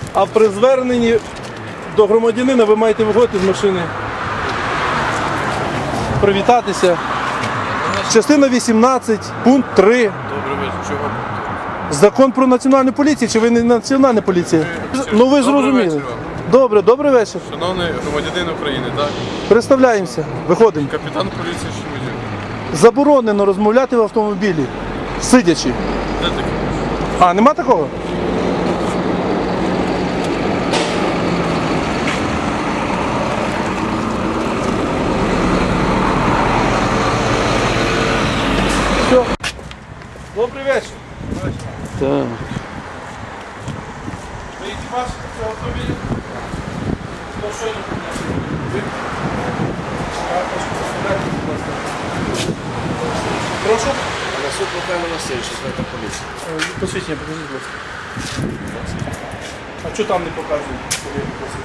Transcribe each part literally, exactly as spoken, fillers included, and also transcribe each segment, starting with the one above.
А при зверненні до громадянина ви маєте виходити з машини, привітатися. Частина вісімнадцять, пункт три. Добрий вечір. Чого? Закон про національну поліцію, чи ви не національна поліція? Ну ви зрозуміли. Добре, добрий вечір. Шановний громадянин України, так? Представляємося, виходимо. Капітан поліції Шемедюк. Заборонено розмовляти в автомобілі, сидячи. Де таке? А, нема такого? Все. Добрий вечір. Так. Ви екіпаж цього автомобіля? Хто щойно принесли? Ви? Я прошу представляти, будь ласка. Прошу? Насуд Михайло Васильович, інспектор поліції. Е, Посвідчення, покажіть, будь ласка. А що там не показують? коли я попросив?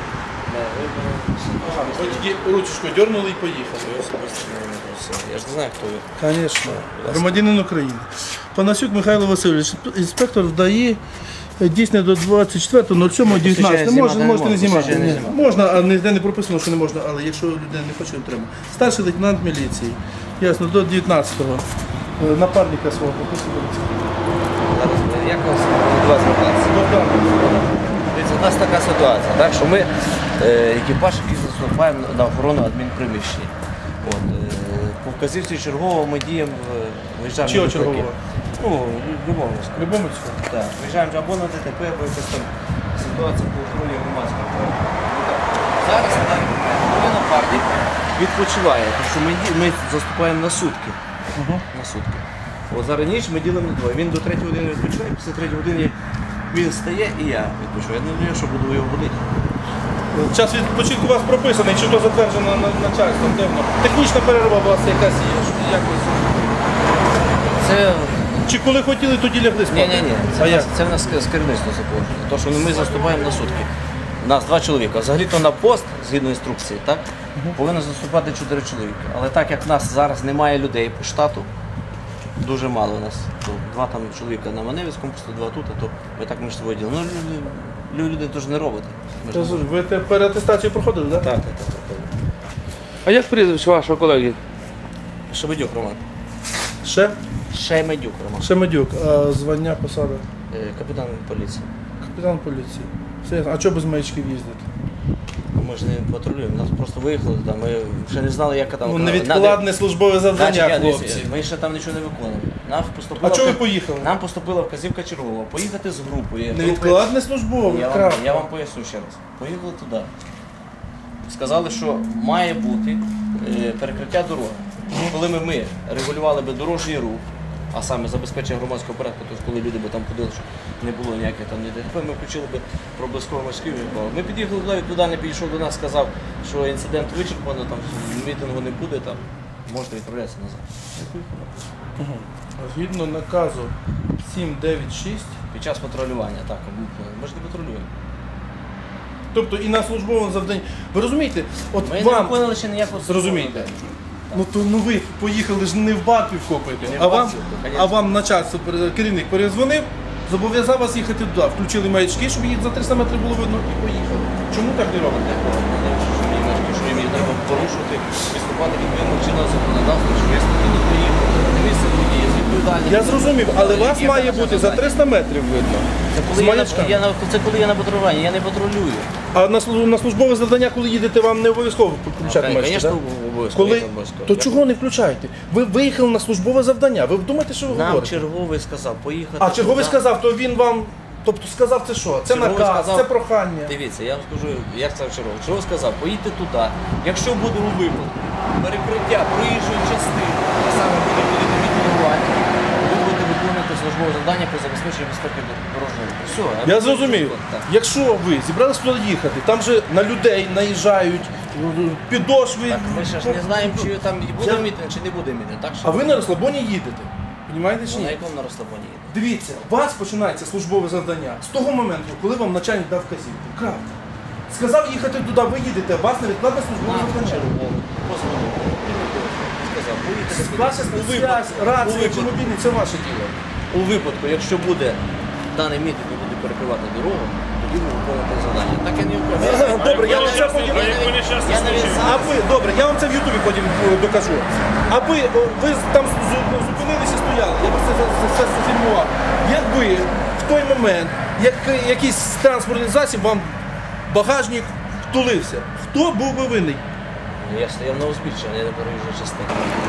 Ага, ви тільки ручечку дернули і поїхали. Я ж не знаю, хто ви. Звісно. Громадянин України. Панасюк Михайло Васильович, інспектор ДАІ, дійсно до двадцять четвертого сьомого дев'ятнадцятого. Можна, можете не знімати. Ні. Можна, а ніде не прописано, що не можна, але якщо людина не хоче, то треба. Старший лейтенант міліції. Ясно, до дев'ятнадцятого. Напарника свого прописується. Зараз ми- як вас до вас звертатися? Дивіться, у нас така ситуація, так, що ми е, екіпаж, який заступаємо на охорону адмінприміщення. От, е, по вказівці чергового ми діємо, е, виїжджаємо Чого на ДТП. чергового? Ну, любого. В будь-якому цьому. Так, виїжджаємо або на ДТП, або якась там ситуація по охороні громадського порядку. Ну, так, зараз коли напарник відпочиває, тому що ми, ді- ми заступаємо на сутки. На сутки. От зараз ніч ми ділимо на двоє. Він до третьої години відпочиває, після третьої години він стає і я відпочиваю. Я не знаю, що буду його будити. Час відпочинку у вас прописаний, чи то затверджено на- начальством, де воно? Технічна перерва у вас якась є, що якось. Це Чи коли хотіли, тоді лягли спати? ні, ні, ні. А Це, в як? нас- це в нас з керівництва заповнено. Тому що ми заступаємо на сутки. Нас два чоловіка. Взагалі-то на пост, згідно інструкції, так, повинно заступати чотири чоловіка. Але так як в нас зараз немає людей по штату, дуже мало у нас. То два там чоловіка на Маневицькому, просто два тут, а то ми так між собою ділимо. Ну, люди, люди теж не роботи. Ми ж Я не- зрозумів. Ви те- переатестацію проходили, так? Так, так, так, так. А як прізвище вашого колеги? Шемедюк Роман. Ще? Шемедюк Роман. Шемедюк. А звання, посада? Е, Капітан поліції. Капітан поліції. Все ясно. А чого без маячків їздити? Ми ж не патрулюємо, нас просто виїхали туди, ми ще не знали, яка там... Ну, невідкладне службове Значить, завдання, я, хлопці. дивіться, ми ще там нічого не виконували. Нам поступила, А чого ви вка- поїхали? Нам поступила вказівка чергового поїхати з групою. Групи- Невідкладне службове, Я вам, крапка. я вам поясню ще раз. Поїхали туди. Сказали, що має бути е, перекриття дороги. Коли ми, ми регулювали би дорожній рух, а саме забезпечення громадського порядку, тобто коли люди би там ходили, щоб не було ніяких там ні ДТП, ми включили би проблисково морський відбав. Ми під'їхали туди, він туди не підійшов до нас, сказав, що інцидент вичерпано, там мітингу не буде, там можете відправлятися назад. Згідно наказу сім дев'ять шість, Під час патрулювання, так, ми ж не патрулюємо. тобто і на службовому завданні. Ви розумієте, от Ми не вам, виконали ще ніякого зрозумійте, службового ну то ну ви поїхали ж не в Батві вкопаєте, Не в а вам, Батві, конечно. а вам начальство, пере- керівник перезвонив, зобов'язав вас їхати туди, включили маячки, щоб їх за триста метрів було видно і поїхали. Чому так не робите? Що їм треба порушувати, виступати відповідно чинного законодавства, що я спокійно приїхав, на місце події, з відповідальністю. Я зрозумів, але вас Є має наша бути за завдання. триста метрів видно. Це З коли, я на, маячками. я на, це коли я на патрулюванні, я не патрулюю. А на, служб- на службове завдання, коли їдете, вам не обов'язково включати маячки, Звісно, так? обов'язково. Коли... я обов'язково. То Я- чого не включаєте? Ви виїхали на службове завдання, ви думаєте, що ви Нам говорите? черговий сказав поїхати. А черговий туди. сказав, то він вам, тобто сказав це що? Це Черговий наказ, сказав- це прохання. Дивіться, я вам скажу, як це черговий. Черговий сказав, поїдьте туди. Якщо буде у випадку перекриття проїжджої частини, а саме буде будете мітингувати, ви будете виконувати службове завдання по забезпеченню безпеки дорожнього руху. Все, Я зрозумів. Так. Якщо ви зібралися туди їхати, там же на людей наїжджають, підошви. Так, ми ще ж не знаємо, чи там буде Я- мітинг, чи не буде мітинг. Так, що А ви на розслабоні їдете. Понімаєте чи Ну, на ні? якому на розслабоні їде? Дивіться, у вас починається службове завдання з того моменту, коли вам начальник дав вказівку. Крапка. Сказав їхати туди, ви їдете, у вас невідкладне службове Нам завдання. черговий позвонив. Сказав, поїдете. Ваша У випадку- спецсвязь, у рація чи випадку- мобільний, це ваше діло. У випадку, якщо буде даний мітинг і буде перекривати дорогу, то вказівку виконувати завдання. Так я не виконую. Добре, я вам це потім. Я навіть А зараз ви, добре, я вам це в Ютубі потім е, докажу. А ви, о, ви там зу- зупинилися і стояли, я просто це, це, це зафільмував. Якби в той момент як, якийсь транспортний засіб вам багажник втулився, хто був би винний? я стояв на узбіччі, а не на проїжджій частині.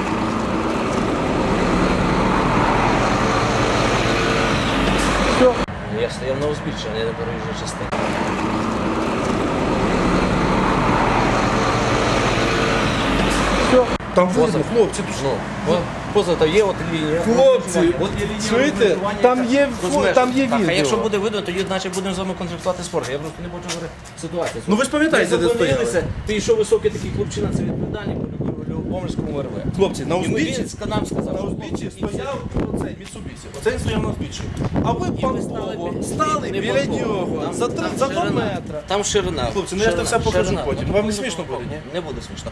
Все. Я стояв на узбіччі, а не на проїжджій частині. Все. Там Поза. видно, хлопці, тут Ну, от поза то є от лінія. Хлопці, от є лінія чуєте? розмежування, Там яка є розмежує. там є Так, а відео. якщо буде видно, тоді значить будемо з вами конфліктувати спорт. Я просто не бачу говорити ситуацію. Ну, ви ж пам'ятаєте, Ми де зупинилися, стояли? Підійшов високий такий хлопчина, це відповідальний, по Любомирському РВ. Хлопці, на І ми- узбіччі, він нам сказав, на що узбіччі хлопці, стояв оцей Міцубісі. Оцей він стояв на узбіччі. А ви і ми стали панково бі- стали не біля банково. нього Там- за три там за два ширина. метри. Там ширина. Хлопці, ну я ж це все покажу ширина. потім. Ну, Вам не покажу смішно потім. буде, ні? Не буде смішно.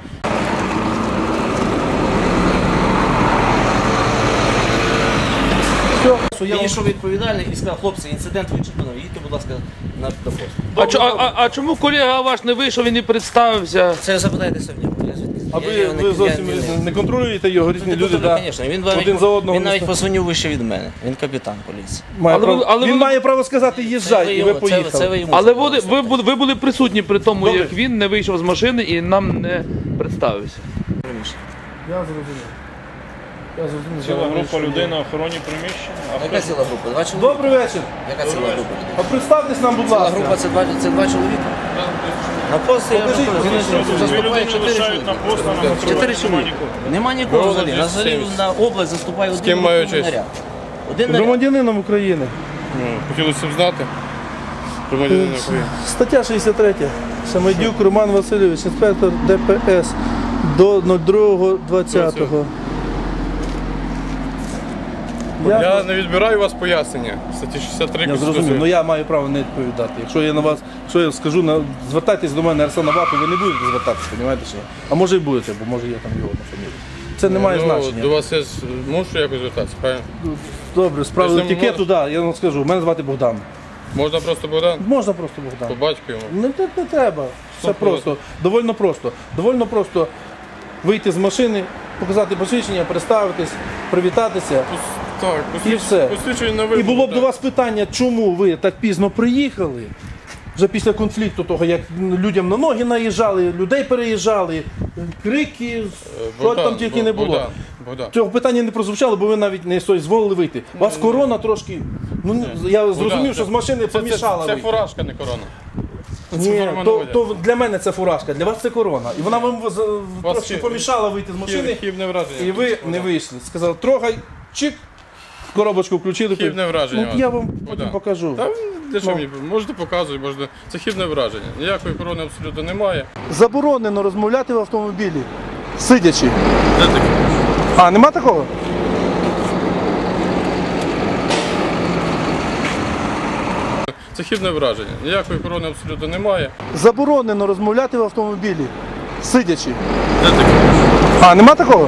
Все, що я вам- Підійшов відповідальний і сказав, хлопці, інцидент вичерпано, їдьте, будь ласка, на до посту. А, чо- а, а, а чому колега ваш не вийшов і не представився? Це запитайтеся в нього. Я звідки? А Я ви, його не- ви я зовсім не- не контролюєте його, різні Не люди, контролюю, да? звісно. Він, один навіть, за одного. він навіть не- позвонив вище від мене. Він капітан поліції. має Але право- ви- але він ви- має право сказати Це їжджай, ви і ви йому- це- поїхали. це ви йому Але ви, сказали. ви, були- ви були присутні при тому, Добре. як він не вийшов з машини і нам не представився. Я зрозумів. Я зрозумів. Ціла Я група вирішую. людей на охороні приміщення. А Яка ціла група? Два чоловіка? Добрий вечір. Яка ціла група людей? А представтесь нам, будь Ціла ласка. група це два, це два чоловіка? На пост я Покажіть, розповідаю, покажіть, він покажіть. заступає людини чотири лишають на чоловіка. пост, а на патрулі Чотири нема чоловіка. нікого. Нема нікого Було взагалі. На взагалі двісті на область заступає один ким маю честь? наряд. Один наряд. Громадянином України. Ну, хотілося б знати. Громадянин України. Стаття шістдесят три. Самодюк Роман Васильович, інспектор Д П С до другого двадцятого. Я, Я не відбираю у вас пояснення. Статті шістдесят три я Конституції. зрозумів, але я маю право не відповідати. Якщо я на вас, якщо я скажу, на, звертайтесь до мене Арсена Ваку, ви не будете звертатися, розумієте? Що? А може і будете, бо може є там його на фамілії. Це не має Ну, значення. до вас я з- мушу якось звертатися, правильно? Добре, справа Тобто, етикету, так, я вам скажу. Мене звати Богдан. Можна просто Богдан? Можна просто По Богдан. батьку йому. Не, не, не треба. Все Ну, просто. Довольно просто. Довольно просто вийти з машини, показати посвідчення, представитись, привітатися. Пос- Так, посвідч- все. посвідчення на І вибір. було б до так. вас питання, чому ви так пізно приїхали? Вже після конфлікту того, як людям на ноги наїжджали, людей переїжджали, крики, що Богдан, там тільки не було. Богдан, Богдан. Цього питання не прозвучало, бо ви навіть не дозволили вийти. У вас корона трошки. Ну я зрозумів, Богдан, що це- з машини це- це- помішала. Це вийти. фуражка, не корона. Ні, форма то, наводять. то для мене це фуражка, для вас це корона. І вона вам з- Вас трошки хі- помішала вийти з машини, Хіб- Хібне враження. і ви не вийшли. Сказали, трогай, чик, коробочку включили. Хібне враження. Ну, я вам потім Богдан. покажу. Та для що Ну. мені? Можете показувати, можна. Це хібне враження. Ніякої корони абсолютно немає. Заборонено розмовляти в автомобілі, сидячи. Де таке? А, нема такого? Це хібне враження. Ніякої корони абсолютно немає. Заборонено розмовляти в автомобілі, сидячи. Де таке? А, нема такого?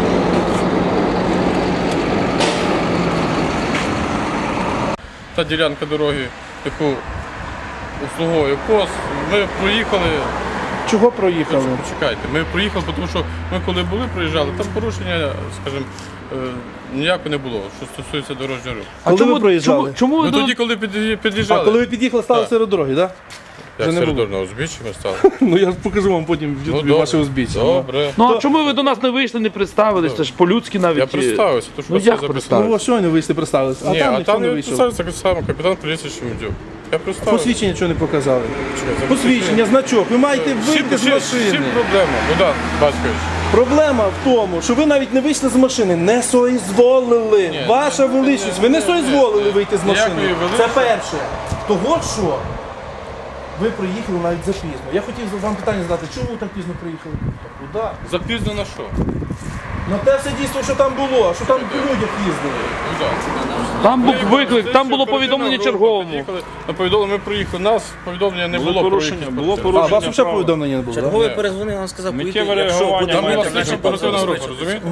Та ділянка дороги, яку обслуговує пост, ми проїхали. Чого проїхали? Почекайте, ми проїхали, тому що ми коли були, проїжджали, там порушення, скажімо, е, ніякого не було, що стосується дорожнього руху. А коли ви проїжджали? Чому, чому ви Ну до- тоді, коли під'ї- А під'їжджали, коли ви під'їхали, стали Так. серед дороги, так? як вже не серед було? дорожнього узбіччя ми стали. Ну я покажу вам потім в Ну, Ютубі добре. ваше узбіччя. Добре. Ну а чому ви до нас не вийшли, не представились? Це ж по-людськи навіть. Я представився, то що Ну, все як записали. Ну, ось щойно вийшли представилися, а Ні, там а ніхто там не не вийшов. представився так само капітан поліції Шемедюк. Я представився. Посвідчення чого не показали? Чекай, Посвідчення, значок. Ви маєте вийти з Чим машини. проблема, Богдан Батькович? Проблема в тому, що ви навіть не вийшли з машини, не соізволили. Ні, Ваша ні, величність, ні, ви не ні, соізволили ні. вийти з машини. Ніякої Це величності. перше. Того що ви приїхали навіть запізно. Я хотів вам питання задати, чому ви так пізно приїхали? Куди? Запізно на що? На те все дійство, що там було, що там по людях їздили. Богдан. Там був Приїхали, виклик, там слідчі було оперативна повідомлення група, черговому. під'їхали, на повідомлення ми приїхали, нас повідомлення не Було було. про порушення, якісь було порушення. А, у вас порушення. взагалі повідомлення не було, так? Черговий Ні. перезвонив, він сказав, Миттєве поїдьте, якщо реагування буде Там була маєте мати слідча право оперативна група, забезпечити. розумієте?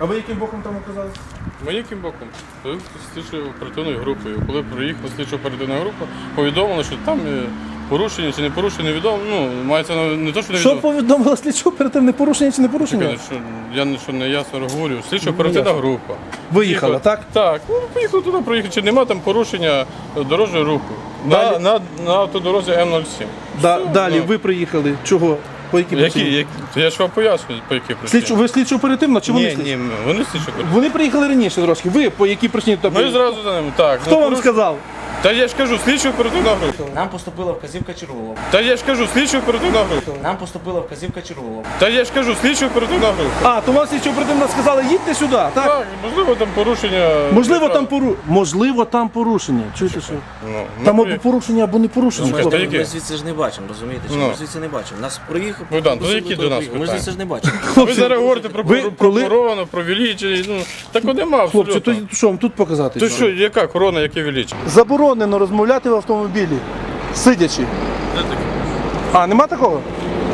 А ви яким боком там оказалися? Ми яким боком? Слідчою оперативною групою. Коли приїхала слідчо оперативна група, повідомили, що там е, порушення чи не порушення, невідомо. Ну, мається на не то, що Що невідомо. повідомила слідчо оперативне порушення чи не порушення? Чекайте, що я не- що не ясно говорю. Слідчо оперативна група. Виїхала, так? Так, ну поїхали туди, проїхали. Чи нема там порушення дорожнього руху? На, Далі? на, на автодорозі М нуль сім. Да, Все, далі ну. ви приїхали. Чого? По якій Які, причині? які, я ж вам пояснюю, по якій причині. Слідчо, ви слідчо оперативно чи вони Ні, слідчо? ні, вони слідчо оперативні. Вони приїхали раніше трошки. Ви по якій причині туди Ми приїхали? зразу за ними. Так. Хто ну, вам поруш- сказав? Та я ж кажу, слідчо оперативна група. Нам поступила вказівка чергового. Та я ж кажу, слідчо оперативна група. Нам поступила вказівка чергового. Та я ж кажу, слідчо оперативна група. А, то вам слідчо оперативно сказали, їдьте сюди, так? Так, можливо, там порушення. Можливо, неправ- там пору... Можливо, там порушення. Чуєте, що? Ну, Там ми або при- порушення, або не порушення. Ну, хлопці. та які? Ми звідси ж не бачимо, розумієте? Чи Ну. Ми звідси не бачимо. Нас проїхав. Богдан, то просили які туди до нас приїхати. Ми ж питання? звідси ж не бачимо. Ви зараз говорите про Ви про- коли- про корону, про величі, ну, так нема Хлопці, абсолютно. то що вам тут показати? То що, яка корона, яке величі? Заборонено розмовляти в автомобілі, сидячи. Де таке? А, нема такого?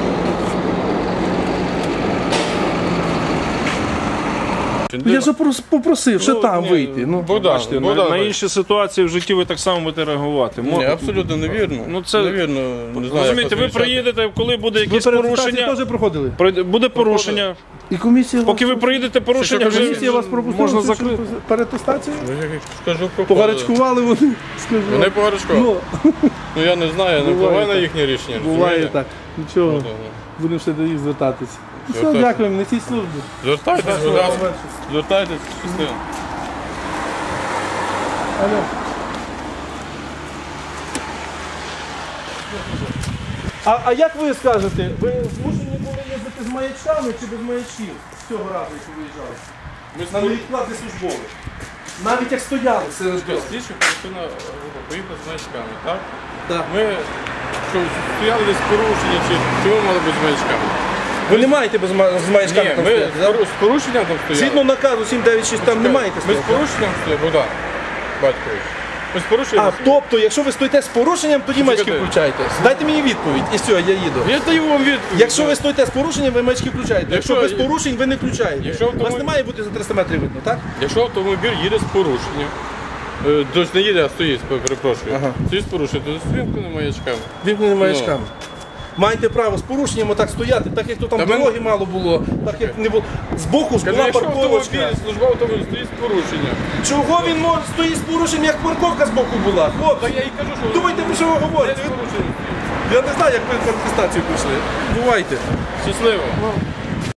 Я ж прос- попросив, що Ну, там ні, вийти. Ну. Богдан, Бачите, на, Богдан, на інші ситуації в житті ви так само будете реагувати. Мо- Ні, абсолютно невірно. Ну, це- невірно. Не знаю, Розумієте, як ви вас вирішати. приїдете, коли буде Ви якесь переатестацію порушення, теж проходили? пройде- буде порушення. І комісія Поки ви вас, приїдете, порушення що, вже комісія вас пропустила можна цю закрити. переатестацію? Ну, я скажу про Погарячкували вони, скажу. Вони погарячкували. Ну, Ну я не знаю, я не Буває впливаю на так. їхнє рішення. буває розумієте? так. Нічого, Ну, да, да. будемо ще до їх звертатися. Все, Звертайтесь. дякуємо, несіть службу. Звертайтесь, будь ласка. Звертайтесь, щасливо. Алло. А, а як ви скажете, ви змушені були їздити з маячками чи без маячків з цього разу, як ви виїжджали? Ми На невідкладний службовий. Навіть як стояли серед дорог. слідчі оперативна група поїхала з маячками, так? Так. Ми що, стояли десь порушення, чи, чи ми мали бути з маячками? Ви не маєте без ма- з маячками Ні, там ми стояти, з да? пору- з порушенням там стояли. Згідно наказу сім дев'ять шість там не маєте Ми з стояти. порушенням стояли, Богдан, батькович. Ми з порушенням. А, тобто, якщо ви стоїте з порушенням, тоді маячки Чекайте. включаєте. Дайте мені відповідь, і все, я їду. Я даю вам відповідь. Якщо ви стоїте з порушенням, ви маячки включаєте. Якщо, Якщо- без порушень, ви не включаєте. Якщо Вас автомобіль- не має бути за триста метрів видно, так? Якщо автомобіль їде з порушенням, е, тобто не їде, а стоїть, перепрошую, Ага. стоїть з порушенням, то з вимкненими маячками. Вімкнені маячками. Маєте право з порушенням отак стояти, так як то там Та ми- дороги мало було, так як не було. Збоку ж Кажу, була якщо парковочка. автомобіль, служба автомобіль стоїть з порушенням. Чого він може стоїть з порушенням, як парковка з боку була? Хлопці, Та я і кажу, що думайте, про що ви говорите? з порушенням. Я не знаю, як ви в атестацію пішли. Бувайте. Щасливо.